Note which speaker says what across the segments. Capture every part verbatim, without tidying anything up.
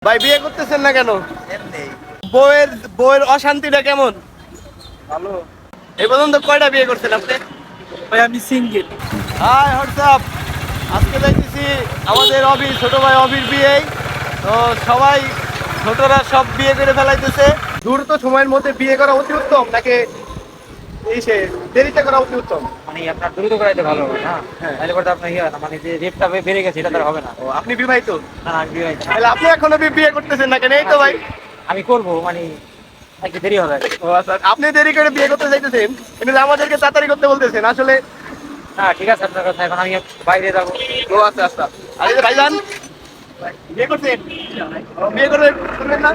Speaker 1: ভাই বিয়ে করতেছেন না কেন?
Speaker 2: এমনি
Speaker 1: বউয়ের বউয়ের অশান্তিটা কেমন?
Speaker 2: ভালো।
Speaker 1: এই পর্যন্ত কয়টা বিয়ে করছেন আপনি?
Speaker 2: ভাই আমি সিঙ্গেল।
Speaker 1: হাই হোয়াটসঅ্যাপ, আজকে দেখতেছি আমাদের অবির ছোট ভাই অবির বিয়ে। তো সবাই ছোটরা সব বিয়ে করে ফেলাইতেছে। দ্রুত সময়ের মধ্যে বিয়ে করা অতি উত্তম নাকি এই সে দেরিতে করা অতি উত্তম?
Speaker 2: মানে আপনার দ্রুত করাইতে ভালো হবে না,
Speaker 1: হ্যাঁ।
Speaker 2: তাহলে করতে আপনার ইয়ে হয় না, মানে যে রেটটা বেড়ে গেছে এটা তার হবে না।
Speaker 1: ও, আপনি বিবাহিত?
Speaker 2: না না, আমি বিবাহিত না।
Speaker 1: তাহলে আপনি এখনো বি- বিয়ে করতেছেন না কেন? এই তো ভাই।
Speaker 2: আমি করবো মানে একটু দেরি হবে।
Speaker 1: ও আচ্ছা, আপনি দেরি করে বিয়ে করতে চাইতেছেন কিন্তু আমাদেরকে তাড়াতাড়ি করতে বলতেছেন আসলে।
Speaker 2: না ঠিক আছে আপনার কথা, এখন আমি বাইরে যাবো।
Speaker 1: ও আচ্ছা আচ্ছা। আর এই যে ভাইজান বিয়ে করছেন? ও, বিয়ে করবেন করবেন না?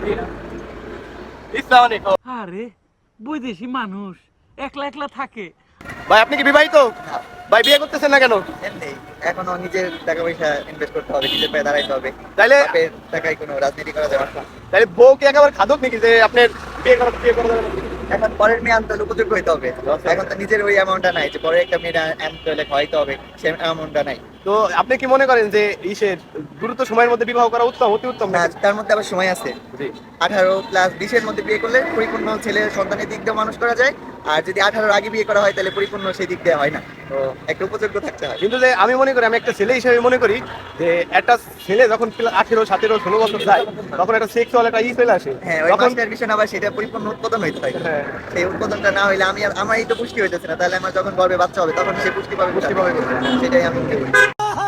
Speaker 1: ইসলাম আলাইকুম।
Speaker 3: আরে বৈদেশি মানুষ একলা একলা থাকে।
Speaker 1: ভাই আপনি কি বিবাহিত? ভাই বিয়ে করতেছেন না কেন?
Speaker 4: এমনি এখনো নিজের টাকা পয়সা ইনভেস্ট করতে হবে, নিজের পায়ে দাঁড়াইতে হবে।
Speaker 1: তাইলে
Speaker 4: বাপের টাকায় কোনো রাজনীতি করা যাবে না।
Speaker 1: তাইলে বউ কি একেবারে খাদক নাকি যে আপনার বিয়ে করা বিয়ে করা যাবে না?
Speaker 4: এখন পরের মেয়ে আনতে হলে উপযোগ্য হইতে হবে।
Speaker 1: আচ্ছা।
Speaker 4: এখন তো নিজের ওই অ্যামাউন্টটা নাই যে পরে একটা মেয়ে আনতে হলে খাওয়াইতে হবে, সে অ্যামাউন্টটা নাই।
Speaker 1: তো আপনি কি মনে করেন যে ইসে দ্রুত সময়ের মধ্যে বিবাহ করা উত্তম অতি উত্তম
Speaker 4: না,
Speaker 1: নাকি?
Speaker 4: তার মধ্যে আবার সময় আছে।
Speaker 1: জি।
Speaker 4: আঠারো প্লাস বিশের মধ্যে বিয়ে করলে পরিপূর্ণ ছেলে সন্তানের দিক দিয়ে মানুষ করা যায়। আর যদি আঠারোর আগে বিয়ে করা হয় তাহলে পরিপূর্ণ সেই দিক দিয়ে হয় না। তো একটা উপযোগ্য থাকতে হয়।
Speaker 1: কিন্তু যে আমি মনে করি, আমি একটা ছেলে হিসেবে মনে করি যে একটা ছেলে যখন আঠেরো সতেরো ষোলো বছর যায় তখন একটা সেক্সুয়াল একটা ই চলে আসে।
Speaker 4: হ্যাঁ, ওই
Speaker 1: তখন
Speaker 4: মাস্টার বিষয় আবার সেটা পরিপূর্ণ উৎপাদন হইতে হয়।
Speaker 1: হ্যাঁ।
Speaker 4: সেই উৎপাদনটা না হইলে আমি আর- আমারই তো পুষ্টি হইতেছে না, তাহলে আমার যখন গর্ভে বাচ্চা হবে তখন সে পুষ্টি পাবে
Speaker 1: পুষ্টি পাবে কোথায়?
Speaker 4: সেটাই আমি মনে করি।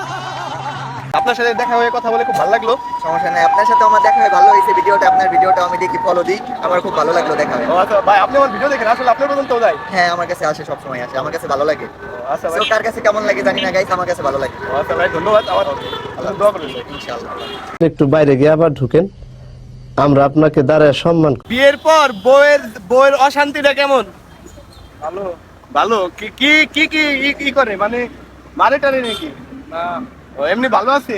Speaker 1: আপনার সাথে দেখা হয়ে কথা বলে খুব ভালো লাগলো।
Speaker 4: সমস্যা নাই, আপনার সাথে আমার দেখা হয়ে ভালো হয়েছে। ভিডিওটা আপনার ভিডিওটা আমি দেখি, ফলো দিই, আমার খুব ভালো লাগলো দেখা হয়ে।
Speaker 1: ও আচ্ছা ভাই, আপনি আমার ভিডিও দেখেন আসলে আপনার পর্যন্ত যায়?
Speaker 4: হ্যাঁ, আমার কাছে আসে, সব সময় আসে, আমার কাছে ভালো লাগে।
Speaker 1: ও আচ্ছা ভাই।
Speaker 4: So, কার কাছে কেমন লাগে জানি না গাইস, আমার কাছে ভালো লাগে
Speaker 1: ও আচ্ছা ভাই, ধন্যবাদ। আমার আল্লাহ দোয়া করবেন ভাই।
Speaker 4: ইনশাআল্লাহ।
Speaker 5: একটু বাইরে গিয়ে আবার ঢুকেন, আমরা আপনাকে দাঁড়ায় সম্মান করি।
Speaker 1: বিয়ের পর বউয়ের বউয়ের অশান্তিটা কেমন?
Speaker 2: ভালো।
Speaker 1: ভালো। কি কি কি কি ই- ই করে মানে মারে টারে নাকি?
Speaker 2: না
Speaker 1: ও, এমনি ভালো আছে?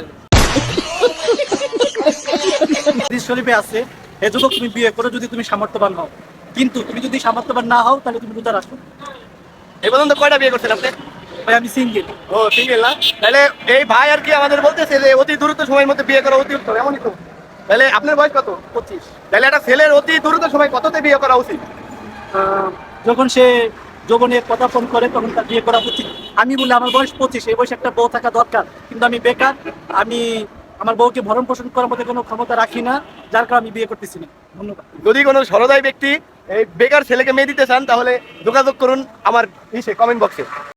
Speaker 3: হাদিস শরীফে আছে, হে যুবক তুমি বিয়ে করো যদি তুমি সামর্থ্যবান হও, কিন্তু তুমি যদি সামর্থ্যবান না হও তাহলে তুমি রোজা রাখো।
Speaker 1: এই পর্যন্ত কয়টা বিয়ে করছেন আপনি?
Speaker 3: ভাই আমি সিঙ্গেল।
Speaker 1: ও সিঙ্গেল না? তাহলে এই ভাই আর কি আমাদের বলতেছে যে অতি দ্রুত সময়ের মধ্যে বিয়ে করা অতি উত্তম, এমনই তো? তাহলে আপনার বয়স কত?
Speaker 3: পঁচিশ।
Speaker 1: তাহলে একটা ছেলের অতি দ্রুত সময় কততে বিয়ে করা উচিত?
Speaker 3: যখন সে যৌবনে কথা ফোন করে তখন তার বিয়ে করা উচিত। আমি বলি আমার বয়স পঁচিশ, এই বয়সে একটা বউ থাকা দরকার, কিন্তু আমি বেকার। আমি আমার বউকে ভরণ পোষণ করার মধ্যে কোনো ক্ষমতা রাখি না, যার কারণে আমি বিয়ে করতেছি না। ধন্যবাদ।
Speaker 1: যদি কোনো সরদাই ব্যক্তি এই বেকার ছেলেকে মেয়ে দিতে চান তাহলে যোগাযোগ করুন আমার ইসে কমেন্ট বক্সে।